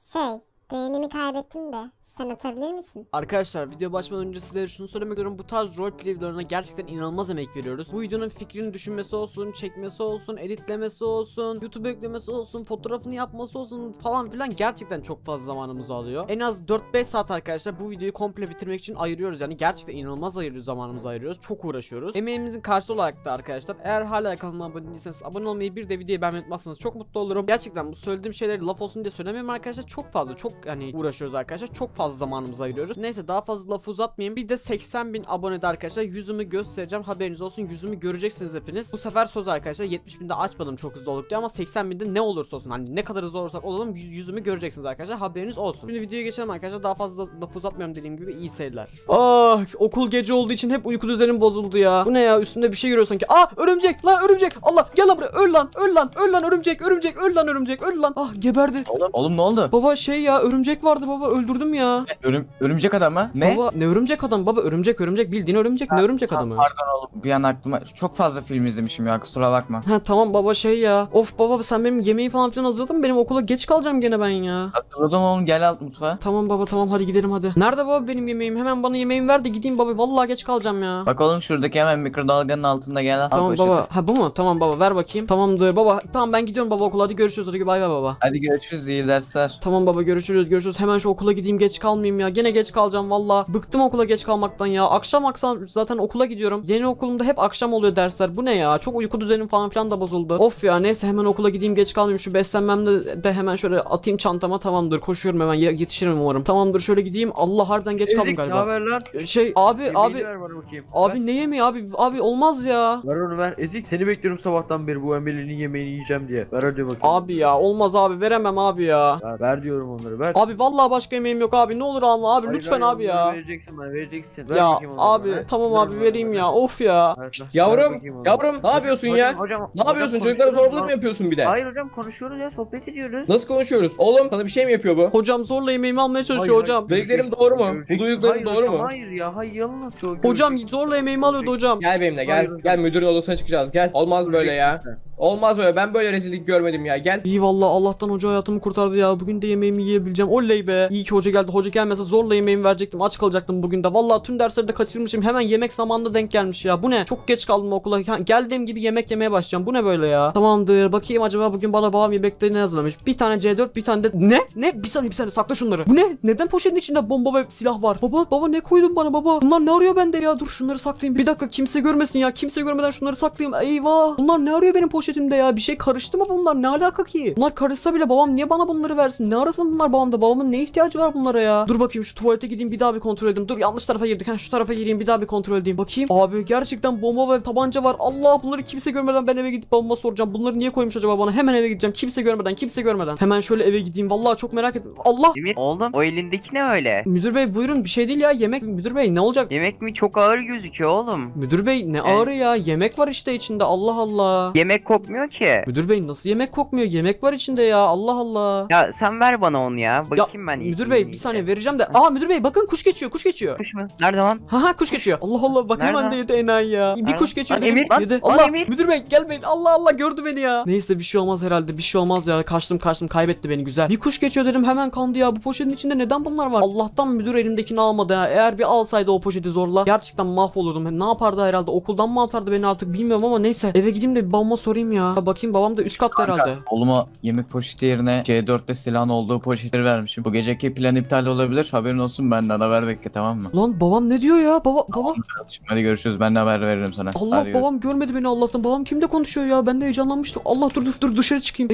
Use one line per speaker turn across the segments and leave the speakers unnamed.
Şey, beğenimi kaybettim de sen atabilir misin?
Arkadaşlar video başlamadan önce sizlere şunu söylemek istiyorum. Bu tarz roleplay videolarına gerçekten inanılmaz emek veriyoruz. Bu videonun fikrini düşünmesi olsun, çekmesi olsun, editlemesi olsun, YouTube'a yüklemesi olsun, fotoğrafını yapması olsun falan filan gerçekten çok fazla zamanımızı alıyor. En az 4-5 saat arkadaşlar bu videoyu komple bitirmek için ayırıyoruz. Yani gerçekten inanılmaz zamanımızı ayırıyoruz. Çok uğraşıyoruz. Emeğimizin karşılığı olarak da arkadaşlar eğer hala kanalıma abone değilseniz abone olmayı bir de videoyu beğenmeyi unutmazsanız çok mutlu olurum. Gerçekten bu söylediğim şeyleri laf olsun diye söylemiyorum arkadaşlar. Çok fazla uğraşıyoruz arkadaşlar. Çok fazla zamanımızı ayırıyoruz. Neyse daha fazla lafı uzatmayayım. Bir de 80.000 abonede arkadaşlar yüzümü göstereceğim. Haberiniz olsun. Yüzümü göreceksiniz hepiniz. Bu sefer söz arkadaşlar 70.000'de açmadım çok hızlı olduk diye ama 80.000'de ne olursa olsun hani ne kadar hızlı olursak olalım yüzümü göreceksiniz arkadaşlar. Haberiniz olsun. Şimdi videoya geçelim arkadaşlar. Daha fazla lafı uzatmıyorum dediğim gibi iyi seyirler. Ah, okul gece olduğu için hep uyku düzenim bozuldu ya. Bu ne ya? Üstümde bir şey görüyor sanki. Ah, örümcek lan, örümcek. Allah, gel lan buraya. Öl lan, öl lan, öl lan örümcek, örümcek, öl lan örümcek, öl lan. Ah, geberdi.
Oğlum ne oldu?
Baba şey ya, örümcek vardı baba, öldürdüm ya.
Örümcek adam mı? Ne?
Baba ne örümcek adam baba, örümcek bildiğin örümcek, ne örümcek adamı?
Pardon oğlum, bir an aklıma çok fazla film izlemişim ya, kusura bakma.
Ha tamam baba şey ya. Of baba sen benim yemeği falan filan hazırladın mı? Benim okula geç kalacağım gene ben ya.
Hatırladım oğlum, gel alt mutfağa.
Tamam baba tamam, hadi gidelim hadi. Nerede baba benim yemeğim? Hemen bana yemeğimi ver de gideyim baba. Vallahi geç kalacağım ya.
Bak oğlum, şuradaki hemen mikrodalganın altında, gel al
Tamam
poşeti.
baba. Ha bu mu? Tamam baba ver bakayım. Tamamdır baba. Tamam ben gidiyorum baba okula. Hadi görüşürüz. Hadi bay bay baba.
Hadi görüşürüz, iyi dersler.
Tamam baba görüşürüz. Hemen şu okula gideyim, geç kalmayayım ya. Gene geç kalacağım valla. Bıktım okula geç kalmaktan ya. Akşam zaten okula gidiyorum. Yeni okulumda hep akşam oluyor dersler. Bu ne ya? Çok uyku düzenim falan filan da bozuldu. Of ya neyse hemen okula gideyim, geç kalmayayım. Şu beslenmemde de hemen şöyle atayım çantama. Tamamdır koşuyorum hemen, yetişirim umarım. Tamamdır şöyle gideyim. Allah harbiden geç kaldım
Ezik,
galiba.
ne haber lan?
Şey abi
Yemeğini ver bana bakayım.
abi ne yemeği abi olmaz ya.
Ver onu ver. Ezik, seni bekliyorum sabahtan beri bu Emel'in yemeğini yiyeceğim diye. Ver hadi bakayım.
Abi ya olmaz abi, veremem abi ya.
Ver diyorum onları, ver.
Abi vallahi başka yemeğim yok abi, ne olur alma abi,
Hayır,
lütfen
hayır,
abi
onları
ya.
Vereceksin bana, vereceksin. Ver
Ya
bakayım onları
abi
bana.
tamam
Ver
abi
bana,
vereyim
ver.
ya, of ya.
Ver
Yavrum,
bakayım onları.
yavrum ne yapıyorsun
Hocam,
ya?
hocam,
Ne yapıyorsun? Çocuklara
konuşuyoruz
zorbalık mı
ya.
yapıyorsun bir de?
Hayır hocam, konuşuyoruz ya, sohbet ediyoruz.
Nasıl konuşuyoruz? Oğlum sana bir şey mi yapıyor bu?
Hocam zorla yemeğimi almaya çalışıyor hocam.
Bildiklerim doğru mu? Bu duyduklarım
Hayır
doğru
hocam,
mu?
Hayır ya, hayır yalan atıyor.
Hocam
Göreceksin.
zorla yemeğimi alıyordu hocam.
Gel benimle gel.
Hayır hocam.
Gel müdürün odasına çıkacağız gel. Olmaz böyle ya.
Göreceksin sen.
Olmaz böyle. Ben böyle rezillik görmedim ya. Gel.
İyi vallahi Allah'tan hoca hayatımı kurtardı ya. Bugün de yemeğimi yiyebileceğim. Oley be. İyi ki hoca geldi. Hoca gelmese zorla yemeğimi verecektim. Aç kalacaktım bugün de. Vallahi tüm dersleri de kaçırmışım. Hemen yemek zamanında denk gelmiş ya. Bu ne? Çok geç kaldım okula. Geldiğim gibi yemek yemeye başlayacağım. Bu ne böyle ya? Tamamdır. Bakayım acaba bugün bana babam yemekte ne hazırlamış? Bir tane C4, bir tane de ne? Bir saniye sakla şunları. Bu ne? Neden poşetin içinde bomba ve silah var? Baba ne koydun bana baba? Bunlar ne arıyor bende ya? Dur şunları saklayayım. Bir dakika kimse görmesin ya. Kimse görmeden şunları saklayayım. Eyvah. Bunlar ne arıyor benim poşetimde ya? Bir şey karıştı mı bunlar? Ne alaka ki? Bunlar karışsa bile babam niye bana bunları versin? Ne arasın bunlar babamda? Babamın ne ihtiyacı var bunlara ya? Dur bakayım şu tuvalete gideyim bir daha bir kontrol edeyim. Dur yanlış tarafa girdik. Şu tarafa gireyim bir daha bir kontrol edeyim. Bakayım. Abi gerçekten bomba ve tabanca var. Allah, bunları kimse görmeden ben eve gidip babama soracağım. Bunları niye koymuş acaba bana? Hemen eve gideceğim. Kimse görmeden. Hemen şöyle eve gideyim. Vallahi çok merak ettim. Allah!
Emir oğlum, o elindeki ne öyle?
Müdür bey buyurun, bir şey değil ya, yemek. Müdür bey ne olacak?
Yemek mi, çok ağır gözüküyor oğlum.
Müdür bey ne ağrı ya, yemek var işte içinde, Allah Allah.
Yemek kokmuyor ki.
Müdür bey nasıl yemek kokmuyor, yemek var içinde ya, Allah Allah.
Ya sen ver bana onu ya. Bakayım ben.
Müdür bey bir saniye vereceğim de. Aa müdür bey bakın kuş geçiyor.
Kuş mu? Nerede lan?
Ha kuş geçiyor. Allah Allah bak hemen de
Nerede?
yedi enayi ya. Bir
Nerede?
kuş geçiyor
Lan
dedim.
Emir, lan,
Yedi.
lan
Allah
Emir.
müdür bey gelmeyin. Allah gördü beni ya. Neyse bir şey olmaz herhalde, bir şey olmaz ya. Kaçtım kaybetti beni, güzel. Bir kuş geçiyor dedim hemen kandı ya. Bu poşetin içinde neden bunlar var? Allah'tan müdür elimdekini almadı ya. Eğer bir alsaydı o poşeti zorla gerçekten mahvolurdum. Ne yapardı herhalde, okuldan mı atardı beni artık bilmiyorum ama neyse. Eve gideyim de bir babama sorayım ya. Bakayım babam da üst katta herhalde.
Oğluma yemek poşeti yerine C4'te silahın olduğu poşetleri vermişim. Bu geceki plan iptal olabilir, haberin olsun, benden haber bekle, tamam mı?
Lan babam ne diyor ya? Baba
Hadi görüşürüz, ben de haber veririm sana.
Allah,
Hadi
babam görmedi beni Allah'tan. Babam kimle konuşuyor ya? Ben de heyecanlanmıştım. Allah dur dışarı çıkayım.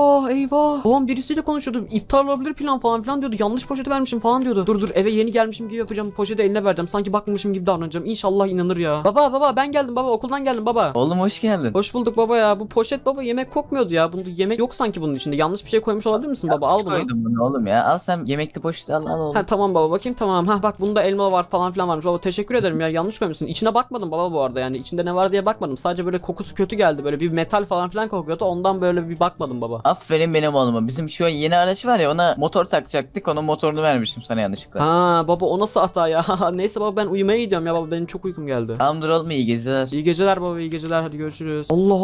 Eyvah. Babam birisiyle konuşuyordu. İptal olabilir plan falan filan diyordu. Yanlış poşeti vermişim falan diyordu. Dur eve yeni gelmişim gibi yapacağım. Poşeti eline vereceğim. Sanki bakmamışım gibi davranacağım. İnşallah inanır ya. Baba ben geldim baba. Okuldan geldim baba.
Oğlum hoş geldin.
Hoş bulduk baba ya. Bu poşet baba yemek kokmuyordu ya. Bunda yemek yok sanki bunun içinde. Yanlış bir şey koymuş olabilir misin baba? Al bunu.
Koydum bunu oğlum ya. Al sen yemekli poşeti, al oğlum.
Ha tamam baba bakayım, tamam. Ha bak bunda elma var falan filan varmış. Baba teşekkür ederim ya, yanlış koymuşsun. İçine bakmadım baba bu arada, yani içinde ne var diye bakmadım. Sadece böyle kokusu kötü geldi. Böyle bir metal falan filan kokuyordu. Ondan böyle bir bakmadım baba.
Aferin benim oğluma. Bizim şu yeni araç var ya, ona motor takacaktık. Onun motorunu vermiştim sana yanlışlıkla.
Ha baba o nasıl hata ya? Neyse baba ben uyumaya gidiyorum ya baba, benim çok uykum geldi.
Tamamdır oğlum, iyi geceler.
İyi geceler baba, iyi geceler, hadi görüşürüz. Allah Allah,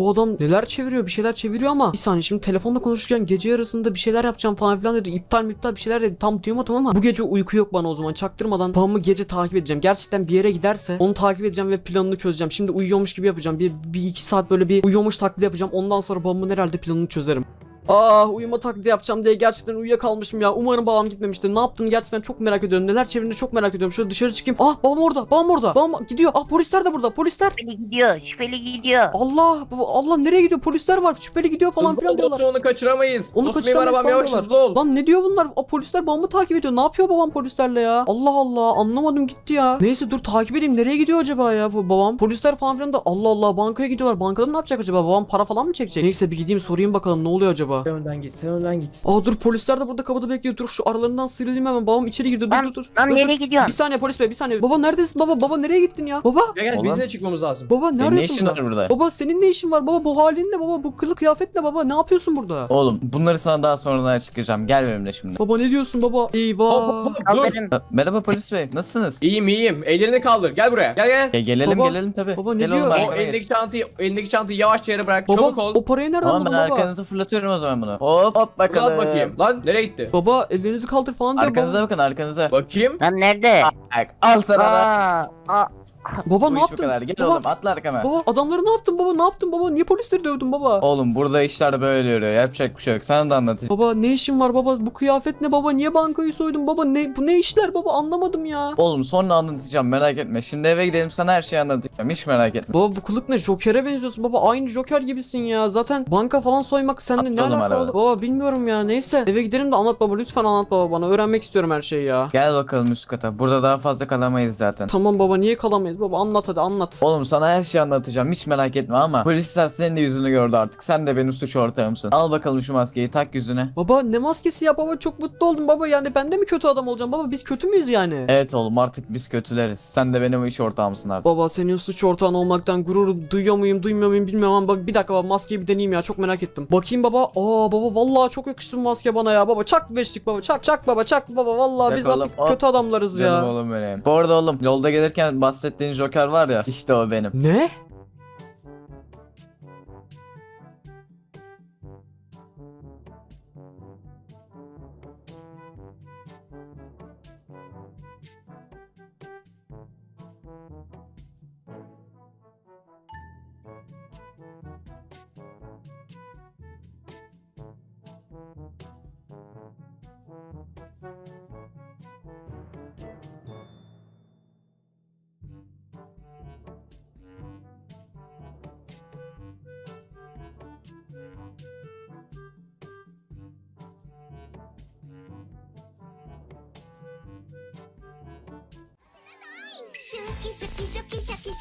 bu adam neler çeviriyor, bir şeyler çeviriyor ama bir saniye, şimdi telefonla konuşurken gece yarısında bir şeyler yapacağım falan filan dedi. İptal bir şeyler dedi. Tam duyamadım ama bu gece uyku yok bana o zaman. Çaktırmadan babamı gece takip edeceğim. Gerçekten bir yere giderse onu takip edeceğim ve planını çözeceğim. Şimdi uyuyormuş gibi yapacağım. Bir iki saat böyle bir uyuyormuş taklidi yapacağım. Ondan sonra babamın herhalde planını çözerim. Uyuma taklidi yapacağım diye gerçekten uyuyakalmışım ya. Umarım babam gitmemiştir. Ne yaptığını gerçekten çok merak ediyorum. Neler çevirdiğini çok merak ediyorum. Şöyle dışarı çıkayım. Babam orada. Babam orada. Babam gidiyor. Polisler de burada. Polisler.
Şüpheli gidiyor. Şüpheli gidiyor.
Allah nereye gidiyor? Polisler var. Şüpheli gidiyor falan filan diyorlar.
Olsun, onu kaçıramayız.
Onu
Dostum, benim
kaçıramayız
arabam
falan
yavaş,
diyorlar.
hızlı ol.
Lan ne diyor bunlar? Polisler babamı takip ediyor. Ne yapıyor babam polislerle ya? Allah Allah, anlamadım gitti ya. Neyse dur takip edeyim. Nereye gidiyor acaba ya bu babam? Polisler falan filan da Allah Allah, bankaya gidiyorlar. Bankada ne yapacak acaba? Babam para falan mı çekecek? Neyse bir gideyim sorayım bakalım ne oluyor acaba?
Sen önden git, sen önden git.
Dur polisler de burada kapıda bekliyor. Dur şu aralarından sıyrılayım hemen. Babam içeri girdi. Dur
Lan
dur.
lan
Dur,
nereye
dur.
gidiyorsun?
Bir saniye polis bey, bir saniye. Baba neredesin baba? Baba nereye gittin ya? Baba.
Gel
Oğlum.
bizimle çıkmamız lazım.
Baba
Senin ne
neredesin
işin
burada?
var burada?
Baba senin ne işin var? Baba bu halin ne baba? Bu kılık kıyafet ne baba? Ne yapıyorsun burada?
Oğlum bunları sana daha sonradan açıklayacağım. Gel benimle şimdi.
Baba ne diyorsun baba? Eyvah.
Hop, dur.
Kaldırın.
Merhaba polis bey. Nasılsınız?
İyiyim. Ellerini kaldır. Gel buraya. Gel.
Gelelim
Baba,
gelelim tabii.
baba ne
Gel
diyor?
oğlum,
O
arkama gel.
elindeki çantayı yavaşça yere bırak.
Baba
Çabuk ol.
o parayı nereden
Tamam
buldun
ben
baba?
arkanızı fırlatıyorum o zaman bunu. Hop bakalım.
Al bakayım. Lan nereye gitti?
Baba ellerinizi kaldır falan diyor
Arkanıza
baba.
bakın arkanıza.
Bakayım.
Lan nerede?
Bak, al sana da.
Aa,
Baba
Bu
ne
iş bu
yaptın?
kadar. Gel
Baba,
oğlum atla arkama.
baba adamları ne yaptın baba? Ne yaptın baba? Niye polisleri dövdün baba?
Oğlum burada işler böyle yürüyor. Yapacak bir şey yok. Sana da anlatayım.
Baba ne işin var baba? Bu kıyafet ne baba? Niye bankayı soydun baba? Bu ne işler baba? Anlamadım ya.
Oğlum sonra anlatacağım merak etme. Şimdi eve gidelim sana her şeyi anlatacağım. Hiç merak etme.
Baba bu kılık ne? Joker'e benziyorsun baba. Aynı Joker gibisin ya. Zaten banka falan soymak seninle ne
Atla oğlum
alakalı?
arabada.
Baba bilmiyorum ya. Neyse eve gidelim de anlat baba. Lütfen anlat baba bana. Öğrenmek istiyorum her şeyi ya.
Gel bakalım üst kata. Burada daha fazla kalamayız zaten.
Tamam baba niye kalamayız baba? Anlat hadi anlat.
Oğlum sana her şeyi anlatacağım. Hiç merak etme ama polisler senin de yüzünü gördü artık. Sen de benim suç ortağımsın. Al bakalım şu maskeyi tak yüzüne.
Baba ne maskesi ya baba? Çok mutlu oldum baba. Yani ben de mi kötü adam olacağım baba? Biz kötü müyüz yani?
Evet oğlum artık biz kötüleriz. Sen de benim iş ortağımsın artık.
Baba senin suç ortağın olmaktan gurur duyuyor muyum duymuyor muyum bilmiyorum ama baba, bir dakika baba maskeyi bir deneyeyim ya, çok merak ettim. Bakayım baba. Baba vallahi çok yakıştı bu maske bana ya baba. Çak beşlik baba, çak baba, çak baba, vallahi
Çak
biz
oğlum,
artık
hop.
kötü adamlarız
Canım
ya.
oğlum benim. Bu arada oğlum yolda gelirken bahsettiğin Joker var ya işte o benim.
Ne?
シャキシャキシャキシャキシ